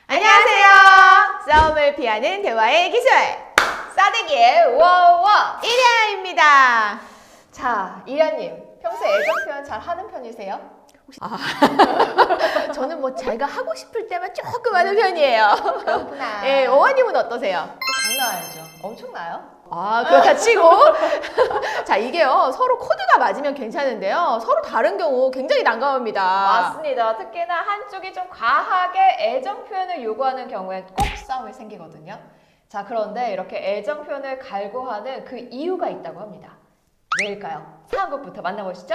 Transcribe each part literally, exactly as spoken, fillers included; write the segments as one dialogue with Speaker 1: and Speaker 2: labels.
Speaker 1: 안녕하세요. 싸움을 피하는 대화의 기술 싸대기의 워워 이리아입니다.
Speaker 2: 자, 이리아님, 평소에 애정 표현 잘 하는 편이세요?
Speaker 1: 아, 저는 뭐 제가 하고 싶을 때만 조금 하는 편이에요.
Speaker 2: 그렇구나.
Speaker 1: 예, 어머님은 어떠세요?
Speaker 2: 저 장난 아니죠. 엄청나요?
Speaker 1: 아, 그렇다 치고 자, 이게요 서로 코드가 맞으면 괜찮은데요 서로 다른 경우 굉장히 난감합니다.
Speaker 2: 맞습니다. 특히나 한쪽이 좀 과하게 애정 표현을 요구하는 경우엔 꼭 싸움이 생기거든요. 자, 그런데 이렇게 애정 표현을 갈구하는 그 이유가 있다고 합니다. 왜일까요? 상황극부터 만나보시죠.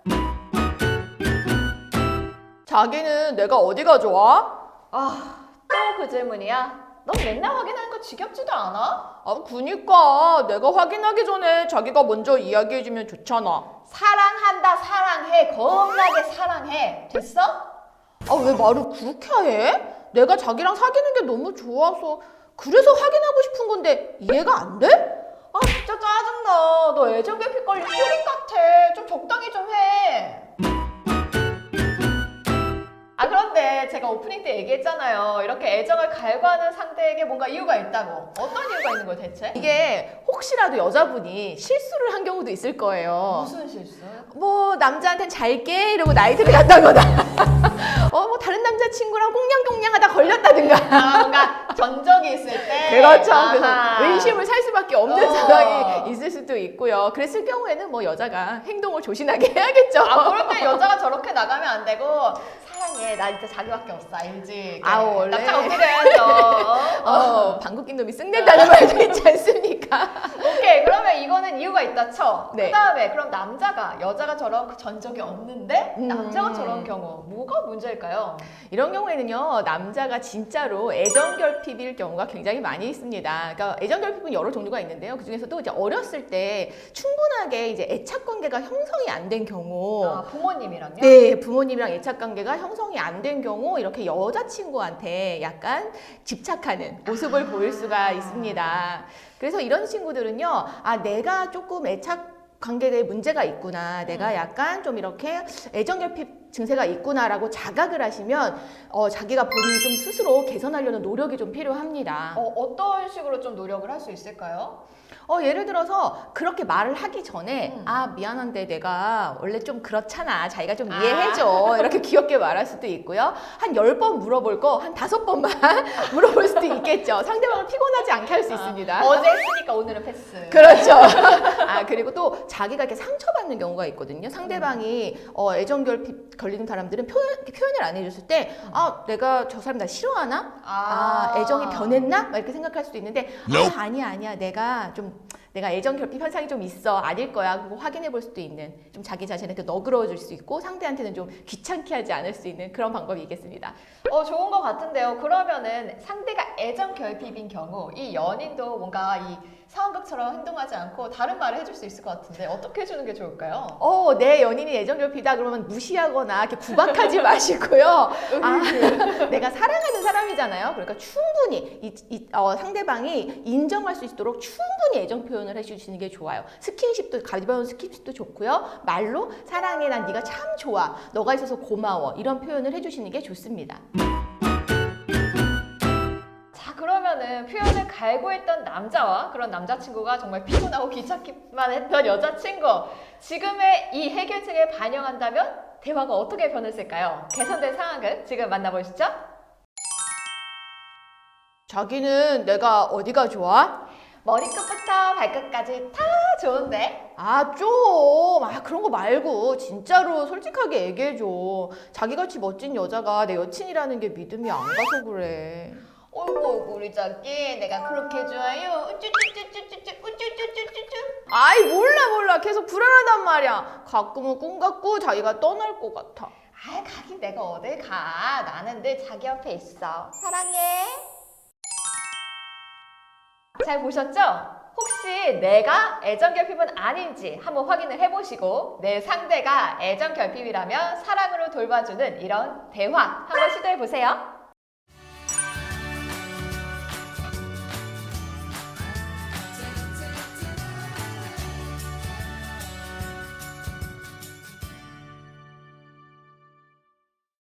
Speaker 1: 자기는 내가 어디가 좋아?
Speaker 2: 아, 또 그 질문이야? 넌 맨날 확인하는 거 지겹지도 않아?
Speaker 1: 아, 그니까 내가 확인하기 전에 자기가 먼저 이야기해주면 좋잖아.
Speaker 2: 사랑한다, 사랑해, 겁나게 사랑해. 됐어?
Speaker 1: 아, 왜 말을 그렇게 해? 내가 자기랑 사귀는 게 너무 좋아서 그래서 확인하고 싶은 건데 이해가 안 돼?
Speaker 2: 아, 진짜 짜증나. 너 애정 결핍 걸린 코린 같아. 좀 적당히 좀 해. 아, 그런데 제가 오프닝 때 얘기했잖아요. 이렇게 애정을 갈구하는 상대에게 뭔가 이유가 있다고. 어떤 이유가 있는 거예요, 대체?
Speaker 1: 이게 혹시라도 여자분이 실수를 한 경우도 있을 거예요.
Speaker 2: 무슨 실수?
Speaker 1: 뭐 남자한텐 잘게 이러고 나이트를 갔다거나 어 뭐 다른 남자친구랑 꽁냥꽁냥 하다 걸렸다든가.
Speaker 2: 아, 뭔가 전적이 있을 때.
Speaker 1: 그렇죠.
Speaker 2: 아하.
Speaker 1: 그래서 의심을 살 수밖에 없는
Speaker 2: 어.
Speaker 1: 상황이 있을 수도 있고요. 그랬을 경우에는 뭐 여자가 행동을 조신하게 해야겠죠.
Speaker 2: 아, 그럴 때 여자가 저렇게 나가면 안 되고 사랑해. 나 진짜 자기밖에 없어. 알지?
Speaker 1: 아우, 원래.
Speaker 2: 남자가 어떻게 해야죠?
Speaker 1: 어, 방귀 낀 놈이 쓱낸다는 말도 있지 않습니까?
Speaker 2: 오케이, 그러면 이거는 이유가 있다 쳐.
Speaker 1: 네.
Speaker 2: 그 다음에 그럼 남자가 여자가 저런 그 전적이 없는데
Speaker 1: 음.
Speaker 2: 남자가 저런 경우 뭐가 문제일까요?
Speaker 1: 이런 경우에는요, 남자가 진짜로 애정결핍일 경우가 굉장히 많이 있습니다. 그러니까 애정결핍은 여러 종류가 있는데요. 그 중에서도 이제 어렸을 때 충분하게 이제 애착관계가 형성이 안 된 경우,
Speaker 2: 아, 부모님이랑요?
Speaker 1: 네, 부모님이랑 애착관계가 형성이 안 된 경우 이렇게 여자친구한테 약간 집착하는 모습을
Speaker 2: 아.
Speaker 1: 보일 수가 있습니다. 그래서 이런 친구들은요, 아, 내가 조금 애착 관계에 문제가 있구나. 내가
Speaker 2: 음.
Speaker 1: 약간 좀 이렇게 애정결핍 증세가 있구나라고 자각을 하시면 어, 자기가 본인이 좀 스스로 개선하려는 노력이 좀 필요합니다.
Speaker 2: 어, 어떤 식으로 좀 노력을 할 수 있을까요?
Speaker 1: 어, 예를 들어서 그렇게 말을 하기 전에
Speaker 2: 음.
Speaker 1: 아, 미안한데 내가 원래 좀 그렇잖아. 자기가 좀
Speaker 2: 아.
Speaker 1: 이해해줘. 이렇게 귀엽게 말할 수도 있고요. 한 열 번 물어볼 거 한 다섯 번만 물어볼 수도 있겠죠. 상대방을 피곤하지 않게 할 수 있습니다.
Speaker 2: 아, 어제 했으니까 오늘은 패스.
Speaker 1: 그렇죠. 아, 그리고 또 자기가 이렇게 상처받는 경우가 있거든요. 상대방이 어, 애정결핍 걸리는 사람들은 표현, 표현을 안 해줬을 때 아, 내가 저 사람 나 싫어하나? 아, 애정이 변했나? 막 이렇게 생각할 수도 있는데 아, 아니야 아니야 내가 좀 내가 애정 결핍 현상이 좀 있어 아닐 거야 그거 확인해 볼 수도 있는 좀 자기 자신한테 너그러워 줄 수 있고 상대한테는 좀 귀찮게 하지 않을 수 있는 그런 방법이 있겠습니다.
Speaker 2: 어, 좋은 것 같은데요. 그러면은 상대가 애정 결핍인 경우 이 연인도 뭔가 이 상황극처럼 행동하지 않고 다른 말을 해줄 수 있을 것 같은데 어떻게 해주는 게 좋을까요?
Speaker 1: 어, 내 연인이 애정 결핍이다 그러면 무시하거나 이렇게 구박하지 마시고요. 아, 내가 사랑하는 사람이잖아요. 그러니까 충분히 이, 이, 어, 상대방이 인정할 수 있도록 충분히 애정 표현을 해주시는 게 좋아요. 스킨십도 가벼운 스킨십도 좋고요. 말로 사랑해 난 네가 참 좋아. 너가 있어서 고마워. 이런 표현을 해주시는 게 좋습니다.
Speaker 2: 자, 그러면은 표현을 갈구했던 남자와 그런 남자친구가 정말 피곤하고 귀찮기만 했던 여자친구, 지금의 이 해결책을 반영한다면 대화가 어떻게 변했을까요? 개선된 상황을 지금 만나보시죠.
Speaker 1: 자기는 내가 어디가 좋아?
Speaker 2: 머리끝부터 발끝까지 다 좋은데?
Speaker 1: 아, 좀. 아, 그런 거 말고 진짜로 솔직하게 얘기해줘. 자기같이 멋진 여자가 내 여친이라는 게 믿음이 안 가서 그래.
Speaker 2: 어이구, 우리 자기 내가 그렇게 좋아요. 우쭈쭈쭈쭈쭈쭈 우쭈쭈쭈쭈쭈.
Speaker 1: 아이, 몰라 몰라. 계속 불안하단 말이야. 가끔은 꿈 같고 자기가 떠날 것 같아.
Speaker 2: 아, 가긴 내가 어딜 가. 나는 늘 자기 옆에 있어. 사랑해. 잘 보셨죠? 혹시 내가 애정결핍은 아닌지 한번 확인을 해보시고 내 상대가 애정결핍이라면 사랑으로 돌봐주는 이런 대화 한번 시도해보세요.